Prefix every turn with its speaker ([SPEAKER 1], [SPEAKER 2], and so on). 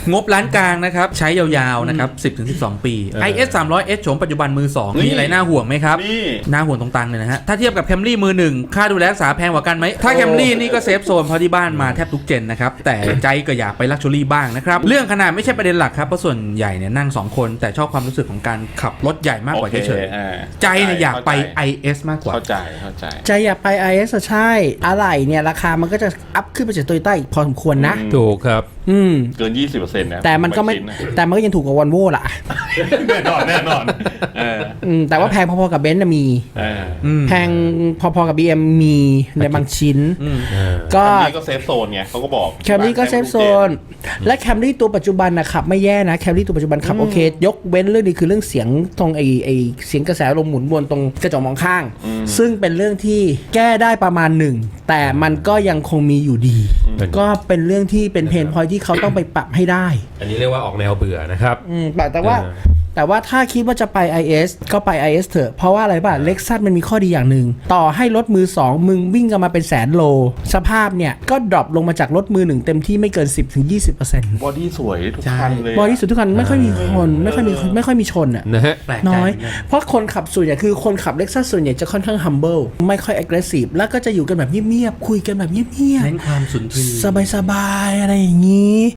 [SPEAKER 1] งบล้านกลางนะครับใช้ยาวๆนะครับ10-12 ปี IS 300S โฉมปัจจุบันมือ 2 มีอะไรน่าห่วงไหมครับน่าห่วงตรงตังเลยนะฮะถ้าเทียบกับ Camry มือ 1ค่าดูแลรักษาแพงกว่ากันไหมถ้า Camry นี่ก็เซฟโซนเพราะที่บ้านมาแทบทุกเจนนะครับแต่ใจก็อยากไปลักชัวรี่บ้างนะครับเรื่องขนาดไม่ใช่ประเด็นหลักครับเพราะส่วนใหญ่เนี่ยนั่ง2คนแต่ชอบความรู้สึกของการขับรถใหญ่มากกว่าเฉยๆใจเนี่ยอยากไป IS มากกว่า
[SPEAKER 2] เข้าใจ
[SPEAKER 3] ใจอยากไป IS ใช่อะไรเนี่ยราคามันก็จะอัพขึ้นไปจากโตโยต้าอีกพอสมควรนะ
[SPEAKER 1] ถูกครับ
[SPEAKER 2] เกิน 20% นะ
[SPEAKER 3] แต่มันก็ไม่แต่มันก็ยังถูกกว่าวอลโว่ล่ะ
[SPEAKER 2] แน่นอน
[SPEAKER 3] แต่ว่าแพงพอๆกับเบนซ์มีแพงพอๆกับ BM มีในบางชิ้น
[SPEAKER 2] ก็เซฟโซนไงเขาก็บอก
[SPEAKER 3] แคมรี่ก็เซฟโซนและแคมรี่ตัวปัจจุบันนะขับไม่แย่นะแคมรี่ตัวปัจจุบันขับโอเคยกเว้นเรื่องนี้คือเรื่องเสียงตรงไอเสียงกระแสลมหมุนวนตรงกระจกมองข้างซึ่งเป็นเรื่องที่แก้ได้ประมาณหนึ่งแต่มันก็ยังคงมีอยู่ดีก็เป็นเรื่องที่เป็นเพนพอยท์ที่เขาต้องไปปรับให้ได้
[SPEAKER 1] อันนี้เรียกว่าออกแนวเบื่อนะครับ
[SPEAKER 3] แต่ว่าถ้าคิดว่าจะไป IS ก็ไป IS เถอะเพราะว่าอะไรป่ะ Lexus มันมีข้อดีอย่างหนึ่งต่อให้รถมือ2มึงวิ่งกันมาเป็นแสนโลสภาพเนี่ยก็ดรอปลงมาจากรถมือ1เต็มที่ไม่เกิน 10-20%
[SPEAKER 2] บอดี้สวยทุกคันเลย
[SPEAKER 3] บอดี้สวยทุกคันไม่ค่อยมีคนไม่ค่อยมีชนอ่ะ
[SPEAKER 1] นะฮะ
[SPEAKER 3] น้อยเพราะคนขับส่วนใหญ่คือคนขับ Lexus ส่วนใหญ่จะค่อนข้าง humble ไม่ค่อย aggressive แล้วก็จะอยู่กันแบบเงียบๆคุยกันแบบเงียบๆ
[SPEAKER 1] เน้นความสุนทรี
[SPEAKER 3] สบายๆอะไรอย่างนี้